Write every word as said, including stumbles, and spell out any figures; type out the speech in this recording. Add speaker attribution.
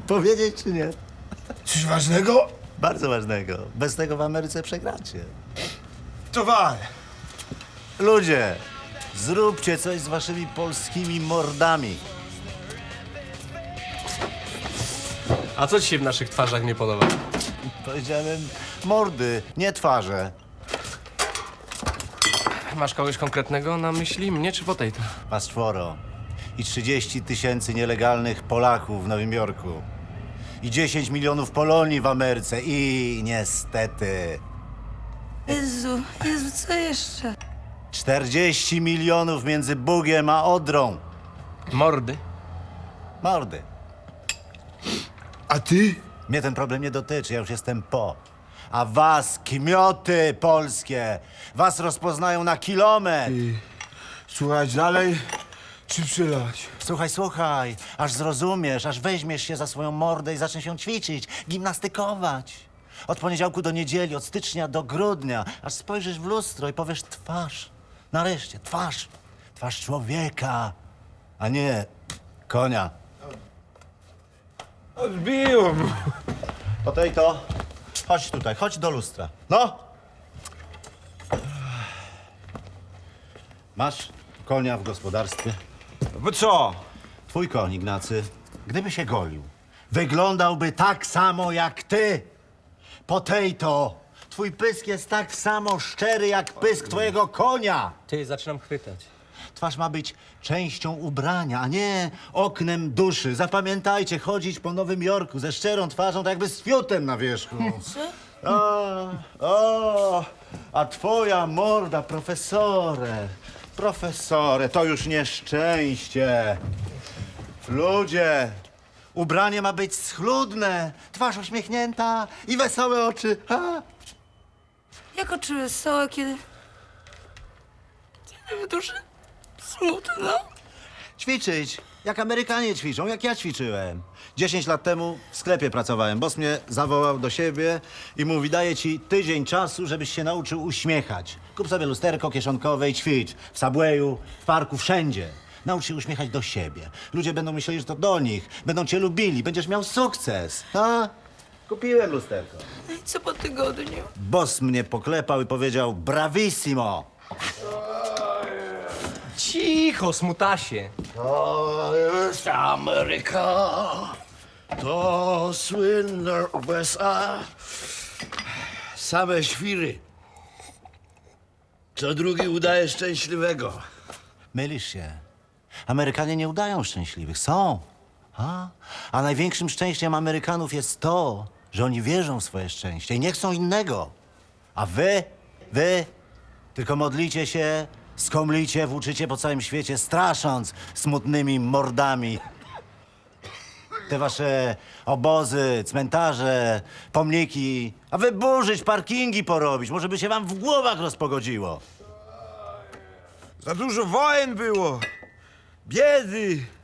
Speaker 1: Powiedzieć czy nie?
Speaker 2: Coś ważnego?
Speaker 1: Bardzo ważnego. Bez tego w Ameryce przegracie.
Speaker 2: To wal.
Speaker 1: Ludzie, zróbcie coś z waszymi polskimi mordami.
Speaker 3: A co ci się w naszych twarzach nie podoba?
Speaker 1: Powiedziałem mordy, nie twarze.
Speaker 3: Masz kogoś konkretnego na myśli? Mnie czy potato?
Speaker 1: Was czworo. I trzydzieści tysięcy nielegalnych Polaków w Nowym Jorku. I dziesięć milionów Polonii w Ameryce. I niestety
Speaker 4: Jezu, Jezu, co jeszcze?
Speaker 1: czterdzieści milionów między Bugiem a Odrą.
Speaker 3: Mordy?
Speaker 1: Mordy.
Speaker 2: A ty?
Speaker 1: Mnie ten problem nie dotyczy, ja już jestem po. A was, kmioty polskie, was rozpoznają na kilometr.
Speaker 2: Ty. Słuchać dalej, czy przylać?
Speaker 1: Słuchaj, słuchaj, aż zrozumiesz, aż weźmiesz się za swoją mordę i zaczniesz się ćwiczyć, gimnastykować. Od poniedziałku do niedzieli, od stycznia do grudnia, aż spojrzysz w lustro i powiesz twarz. Nareszcie, twarz. Twarz człowieka, a nie konia.
Speaker 2: Odbiło mu.
Speaker 1: Potato, chodź tutaj, chodź do lustra. No! Masz konia w gospodarstwie?
Speaker 2: Bo co?
Speaker 1: Twój koń, Ignacy, gdyby się golił, wyglądałby tak samo jak ty. Potato, twój pysk jest tak samo szczery jak pysk twojego konia.
Speaker 3: Ty, zaczynam chwytać.
Speaker 1: Twarz ma być częścią ubrania, a nie oknem duszy. Zapamiętajcie, chodzić po Nowym Jorku ze szczerą twarzą, tak jakby z fiutem na wierzchu. O, o, a twoja morda, profesorze, profesorze, to już nieszczęście. Ludzie, ubranie ma być schludne, twarz uśmiechnięta i wesołe oczy. Ha?
Speaker 4: Jak oczy wesołe, kiedy... Kiedy w duszy smutno?
Speaker 1: Ćwiczyć, jak Amerykanie ćwiczą, jak ja ćwiczyłem. Dziesięć lat temu w sklepie pracowałem. Boss mnie zawołał do siebie i mówi, daję ci tydzień czasu, żebyś się nauczył uśmiechać. Kup sobie lusterko kieszonkowe i ćwicz. W Subwayu, w parku, wszędzie. Naucz się uśmiechać do siebie. Ludzie będą myśleli, że to do nich. Będą cię lubili, będziesz miał sukces. A? Kupiłem lusterko.
Speaker 4: No i co po tygodniu?
Speaker 1: Boss mnie poklepał i powiedział, bravissimo.
Speaker 3: Cicho, smutasie.
Speaker 5: To jest Ameryka, to słynne U S A. Same świry. Co drugi udaje szczęśliwego.
Speaker 1: Mylisz się. Amerykanie nie udają szczęśliwych. Są. A? A największym szczęściem Amerykanów jest to, że oni wierzą w swoje szczęście i nie chcą innego. A wy, wy tylko modlicie się, skomlicie, włóczycie po całym świecie, strasząc smutnymi mordami. Te wasze obozy, cmentarze, pomniki, a wy burzyć, parkingi porobić. Może by się wam w głowach rozpogodziło.
Speaker 2: Za dużo wojen było. Biedy.